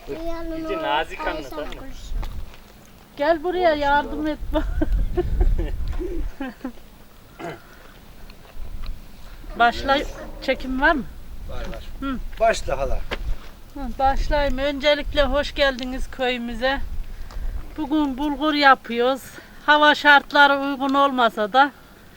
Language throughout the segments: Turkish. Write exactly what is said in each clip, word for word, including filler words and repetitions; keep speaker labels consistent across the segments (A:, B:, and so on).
A: İyice nazik anlat anne.
B: Gel buraya yardım et. Başla, çekim var mı?
C: Var var.
B: Hı.
C: Başla hala.
B: Hı, başlayayım. Öncelikle hoş geldiniz köyümüze. Bugün bulgur yapıyoruz. Hava şartları uygun olmasa da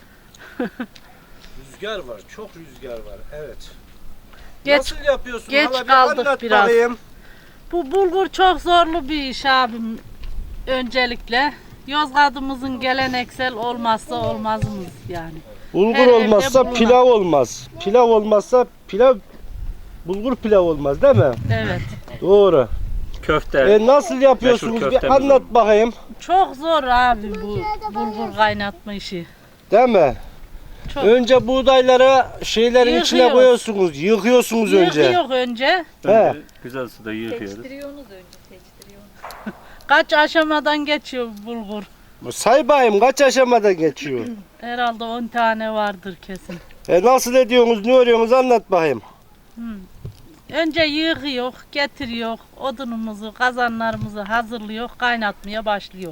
C: Rüzgar var, çok rüzgar var. Evet.
B: geç,
C: Nasıl yapıyorsun
B: geç
C: hala? Bir
B: kaldık
C: anlat
B: biraz.
C: bakayım.
B: Bu bulgur çok zorlu bir iş abim. Öncelikle Yozgat'ımızın geleneksel olmazsa olmazımız yani.
C: Bulgur
B: Her evde
C: olmazsa
B: bulunan.
C: pilav olmaz. Pilav olmazsa pilav bulgur pilav olmaz değil mi?
B: Evet.
C: Doğru.
A: Köfte.
C: E nasıl yapıyorsunuz?
A: Meşhur
C: Bir
A: köftemiz
C: anlat
A: var.
C: bakayım.
B: Çok zor abi bu bulgur kaynatma işi.
C: Değil mi?
B: Çok.
C: Önce buğdayları şeylerin içine
B: Yıkıyoruz.
C: koyuyorsunuz. Yıkıyorsunuz önce.
B: Yıkıyor önce.
C: He.
A: Önce güzel suda yıkıyoruz.
D: Seçtiriyorsunuz önce, seçtiriyorsunuz.
B: Kaç aşamadan geçiyor bulgur?
C: Say bakayım kaç aşamada geçiyor?
B: Herhalde on tane vardır kesin.
C: E nasıl ediyorsunuz, ne örüyorsunuz anlat bakayım.
B: Önce yıkıyor, getiriyor, odunumuzu, kazanlarımızı hazırlıyor, kaynatmaya başlıyor.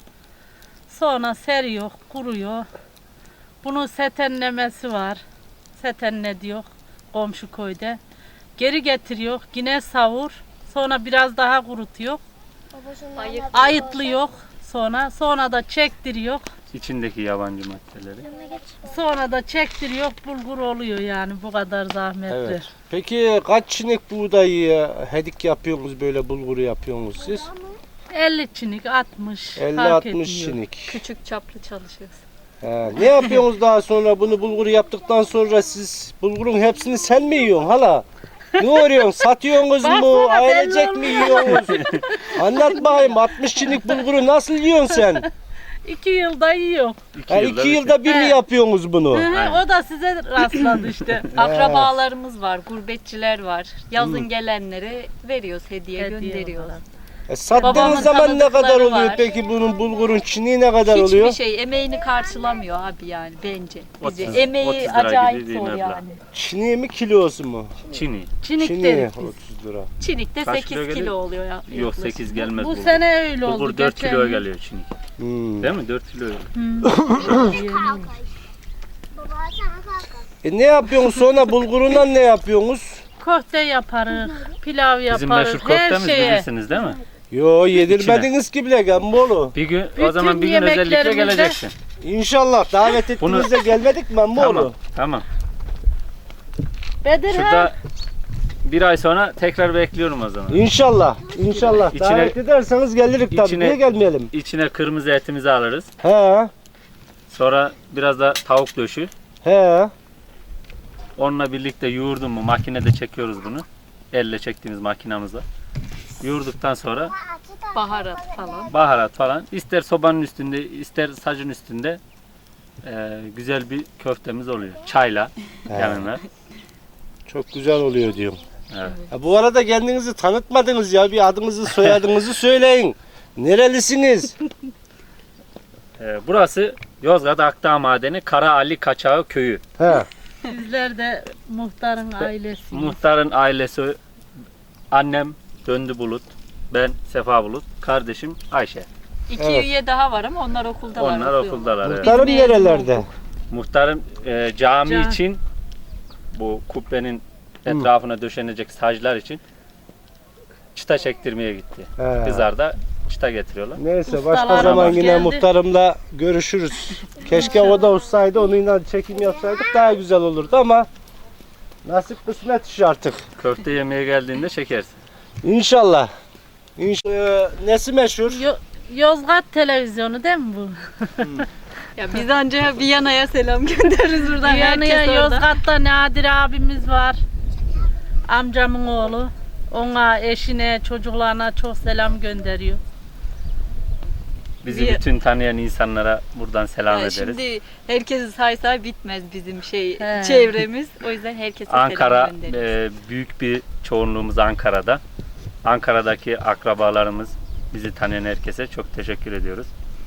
B: Sonra seriyor, kuruyor. Bunun setenlemesi var. Setenle diyor komşu köyde. Geri getiriyor, yine savur. Sonra biraz daha kurutuyor.
D: Ayık.
B: Ayıtlıyor sonra. Sonra da çektiriyor.
A: İçindeki yabancı maddeleri.
B: Sonra da çektiriyor, bulgur oluyor yani bu kadar zahmetli.
C: Evet. Peki kaç çinik buğdayı hedik yapıyorsunuz böyle bulguru yapıyorsunuz siz?
B: elli çinik, altmış
C: elli
B: fark
C: altmış
B: etmiyor.
C: çinik.
D: Küçük çaplı çalışıyoruz.
C: He, ne yapıyorsunuz daha sonra bunu bulguru yaptıktan sonra siz bulgurun hepsini sen mi yiyorsun hala? Ne örüyorsun? Satıyorsunuz mu?
B: Baksana,
C: Ailecek
B: belli
C: mi yiyorsunuz? Anlat bakayım altmış çinik bulguru nasıl yiyorsun sen?
B: İki yılda yiyor.
A: İki,
C: Ha,
A: yılda
C: iki
A: bir-
C: yılda bir mi
B: He.
C: yapıyorsunuz bunu?
B: Hı hı, o da size rastladı işte.
D: Akrabalarımız var, gurbetçiler var. Yazın gelenlere veriyoruz, hediye,
B: Hediye
D: gönderiyoruz.
B: olarak.
C: E, sattığınız
D: Babamın
C: zaman ne kadar
D: tanıdıkları
C: oluyor
D: var.
C: peki bunun bulgurun çiniği ne kadar
D: Hiçbir
C: oluyor?
D: şey emeğini karşılamıyor abi yani bence. Bizi
A: otuz-
D: emeği
A: otuz lira
D: acayip
A: gibi bir
D: zor
A: meblağ.
D: yani.
C: Çiniği mi kilosu mu?
A: Çini.
B: Çinik
C: Çiniği
B: dedik biz.
C: otuz lira.
D: Çinikte
A: Kaç kilo
D: sekiz
A: geliyor?
D: kilo oluyor ya.
A: Yok
D: yaklaşık.
A: sekiz gelmez
B: Bu
A: bulgur.
B: sene öyle oldu.
A: Bulgur dört
B: geçen
A: kilo
B: yıl.
A: geliyor çini.
C: Hmm.
A: Değil mi? dört kilo.
C: E ne yapıyorsunuz sonra bulgurundan ne yapıyorsunuz?
B: Köfte yaparız, pilav yaparız,
A: Bizim meşhur
B: her
A: köftemiz
B: şeye.
A: bilirsiniz değil mi?
C: Yo yedirmediniz ki bile Gamboğlu.
A: Bir gün o
B: Bütün
A: zaman bir gün özellikle
B: yemeklerimizde-
A: geleceksin.
C: İnşallah davet
A: Bunu-
C: ettiğinizde gelmedik mi Gamboğlu?
A: Tamam. Tamam.
B: Bedir
A: Şurada
B: ha.
A: bir ay sonra tekrar bekliyorum o zaman.
C: İnşallah. İnşallah.
A: İçine-
C: davet ederseniz gelirik tabii.
A: içine-
C: Niye gelmeyelim?
A: İçine kırmızı etimizi alırız.
C: He.
A: Sonra biraz da tavuk döşü.
C: He.
A: Onunla birlikte yoğurdum mu makinede çekiyoruz bunu. Elle çektiğimiz makinamızla. Yoğurduktan sonra
D: Baharat falan.
A: baharat falan. İster sobanın üstünde ister sacın üstünde eee, güzel bir köftemiz oluyor. Çayla yanına.
C: Çok güzel oluyor diyorum.
A: Evet.
C: Ha, bu arada kendinizi tanıtmadınız ya. Bir adınızı soyadınızı söyleyin. Nerelisiniz?
A: Eee, burası Yozgat Akdağ Madeni Kara Ali Kaçağı Köyü.
C: He.
B: Sizler de muhtarın ailesi.
A: Muhtarın ailesi annem Döndü Bulut, ben Sefa Bulut, kardeşim Ayşe.
D: İki
C: Evet.
D: üye daha var ama onlar okuldalar.
A: Onlar
D: okuyorlar.
A: okuldalar. Evet.
C: Muhtarım
D: Biz mezun
C: nerelerde?
A: Muhtarım e, cami
B: Cami.
A: için bu kubbenin etrafına döşenecek saclar için çıta çektirmeye gitti.
C: He.
A: Kızlar da çıta getiriyorlar.
C: Neyse başka
B: Ustalarımız
C: zaman yine
B: geldi.
C: muhtarımla görüşürüz. Keşke o da olsaydı onunla çekim yapsaydık daha güzel olurdu ama nasip kısmet iş artık.
A: Köfte yemeye geldiğinde çekersin.
C: İnşallah. İnşallah. Ee, nesi meşhur?
B: Yo- Yozgat televizyonu değil mi bu?
D: Ya biz anca Viyana'ya selam göndeririz buradan.
B: Viyana'ya,
D: Herkes orada.
B: Yozgat'ta Nadir abimiz var. Amcamın oğlu. Ona, eşine, çocuklarına çok selam gönderiyor.
A: Bizi
D: Bir-
A: bütün tanıyan insanlara buradan selam
D: Ya
A: ederiz.
D: şimdi herkesi saysa bitmez bizim şey
B: He.
D: çevremiz. O yüzden herkese
A: Ankara
D: selam gönderiyoruz.
A: e, büyük bir çoğunluğumuz Ankara'da. Ankara'daki akrabalarımız, bizi tanıyan herkese çok teşekkür ediyoruz.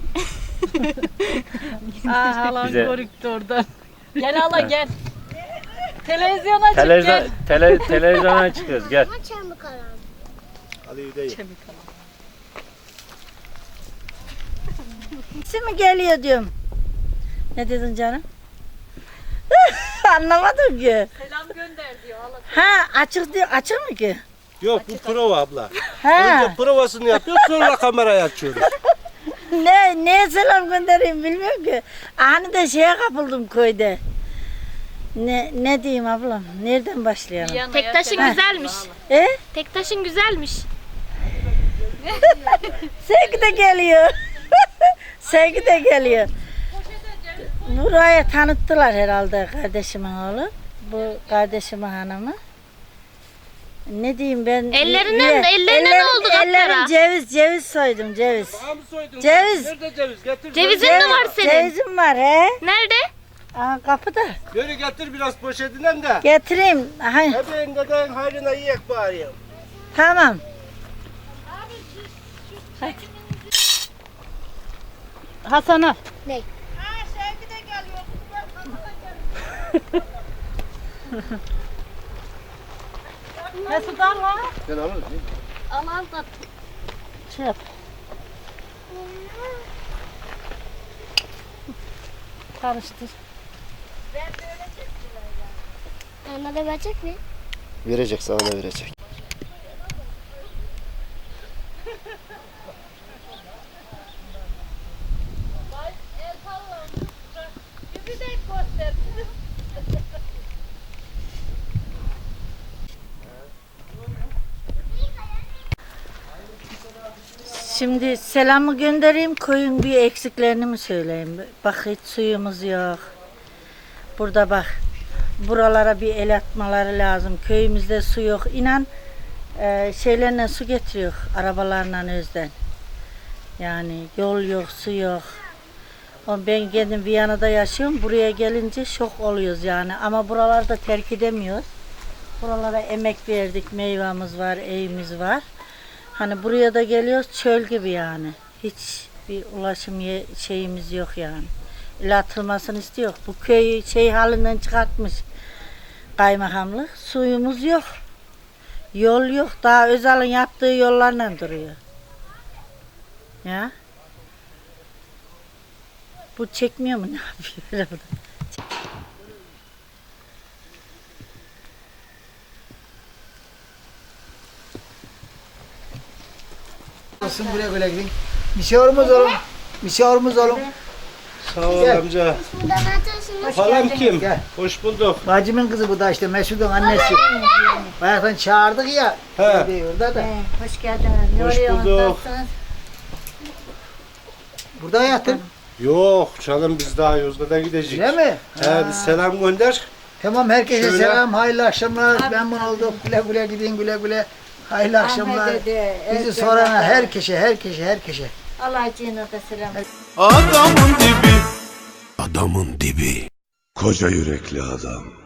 B: Aa, halam
A: Bize-
B: görüktü oradan.
D: Gel hala gel. Televizyona çık
A: Televizyon,
D: gel.
A: tele, televizyona çıkıyoruz gel.
C: Hadi gidelim.
E: mi geliyor diyorum. Ne dedin canım? Anlamadım ki.
D: Selam gönder diyor.
E: Ha açık diyor. Açık mı ki?
C: Yok bu prova abla.
E: Ha.
C: Önce provasını yapıyoruz sonra kamerayı açıyoruz.
E: Ne neye selam göndereyim bilmiyorum ki. Hani de şeye kapıldım köyde. Ne ne diyeyim ablam? Nereden başlayalım?
F: Tektaşın
E: Ha.
F: güzelmiş.
E: E?
F: Tektaşın güzelmiş.
E: Sevgi de geliyor. Sevgi de geliyor. Buraya tanıttılar herhalde kardeşimin oğlu. Bu kardeşimin hanımı. Ne diyeyim ben?
F: Ellerinden-
E: Ye-
F: ellerine ne oldu kapkara?
E: Ellerim ceviz, ceviz soydum ceviz.
C: Daha mı soydun?
E: Ceviz.
C: Nerede ceviz? Getir.
F: Cevizin
C: Ceviz.
F: mi var senin?
E: Cevizim var he.
F: Nerede?
E: Aa, kapıda.
C: Yürü getir biraz poşetinden de.
E: Getireyim. Aha,
C: Ebeğin deden hayrına yiyek bari.
E: tamam.
B: Hasan al. Mesut al ha.
C: Ben alırım.
F: Aman da
B: Şey yap. Karıştır.
F: Ona da verecek mi?
C: Verecek sana da verecek.
E: Şimdi selamı göndereyim, koyun bir eksiklerini mi söyleyeyim? Bak hiç suyumuz yok. Burada bak, buralara bir el atmaları lazım. Köyümüzde su yok. İnan e, şeylerle su getiriyor, arabalarla özden. Yani yol yok, su yok. Ama ben kendim Viyana'da yaşıyorum. Buraya gelince şok oluyoruz yani. Ama buralarda terk edemiyoruz. Buralara emek verdik, meyvamız var, evimiz var. Hani buraya da geliyoruz çöl gibi yani. Hiç bir ulaşım ye- şeyimiz yok yani. İlla atılmasını istiyor. Bu köyü şey halinden çıkartmış kaymakamlık. Suyumuz yok. Yol yok. Daha Özal'ın yaptığı yollarla duruyor. Ya. Bu çekmiyor mu ne yapıyor?
G: Olsun güle güle gidin. Misafirimiz olun. Misafirimiz olun.
C: Sağ ol
G: Gel.
C: amca. Halam kim?
G: Gel.
C: Hoş bulduk.
G: Bacımın kızı bu da işte Mesut'un annesi. Bayaktan çağırdık ya.
C: He.
G: Orada da.
E: Hoş geldiniz. Ne
C: Hoş
E: oluyor?
C: bulduk.
E: Nasılsınız?
G: Burada hayatım.
C: Yok canım biz daha Yozgat'a gideceğiz.
G: Değil mi?
C: He biz selam gönder.
G: Tamam herkese
C: Şöyle.
G: selam. Hayırlı akşamlar. Memnun olduk. Güle güle gidin güle güle. Hayırlı akşamlar.
E: Ahmet'e de,
G: Bizi
E: Özlem'e
G: sorana
E: de.
G: herkese herkese herkese.
E: Allah'ın da selam.
H: Adamın dibi. Adamın dibi. Koca yürekli adam.